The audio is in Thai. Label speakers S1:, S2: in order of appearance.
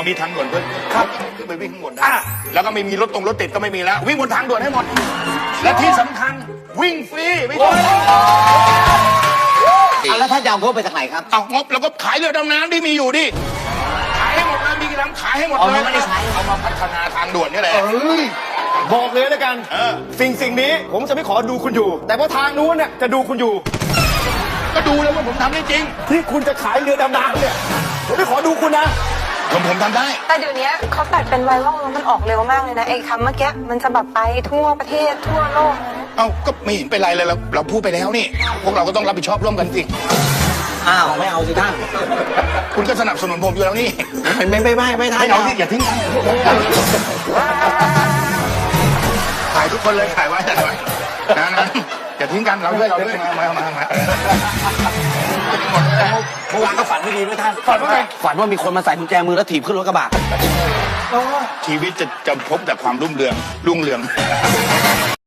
S1: เขามีทางด่วนด้วยครับขึ้นไปวิ่งข้างบนได้แล้วก็ไม่มีรถติดก็ไม่มีแล้ววิ่งบนทางด่วนให้หมดและที่สำคัญวิ่งฟรีไม่ต้อง
S2: แล้วท่านจะเอางบไปจากไหนครับ
S1: เอางบแล้วก็ขายเรือดำน้ำที่มีอยู่ดิขายให้หมดเลยมีกี่ลำขายให้หมดเลยไม่ได้ใช้เอามาพัฒนาทางด่วนนี่แหละ
S3: บอกเลยแล้วกันสิ่งนี้ผมจะไม่ขอดูคุณอยู่ แต่ว่าทางนู้นเนี่ยจะดูคุณอยู่
S1: ก็ดูแล้วว่าผมทำได้จริง
S3: ที่คุณจะขายเรือดำน้ำเนี่ยผมไม่ขอดูคุณนะ
S1: ผมทำได้
S4: แต่เดี๋ยวนี้เขาตัดเป็นไวรัลแล้วมันออกเร็วมากเลยนะไอ้คำเมื่อกี้มันจะแบบไปทั่วประเทศทั่วโลก
S1: เอ้าก็ไม่เห็นเป็นไรเลยเราพูดไปแล้วนี่พวกเราก็ต้องรับผิดชอบร่วมกันสิ
S2: อ้าวไม่เอาสิท่าน
S1: คุณก็สนับสนุนผมอยู่แล้วนี่
S2: ไม่ท่าน
S1: ไม่เอาที่อย่าทิ้งกันถ่ายทุกคนเลยถ่ายไว้นะอย่าทิ้งกันเราด้วยมา
S2: เมื่อวานก็ฝันไม่ดีด้วยท่านฝันว่าไงฝันว่ามีคนมาใส่กุญแจมือแล้วถีบขึ้นรถกระบะ
S1: ชีวิตจะพบแต่ความรุ่งเรือง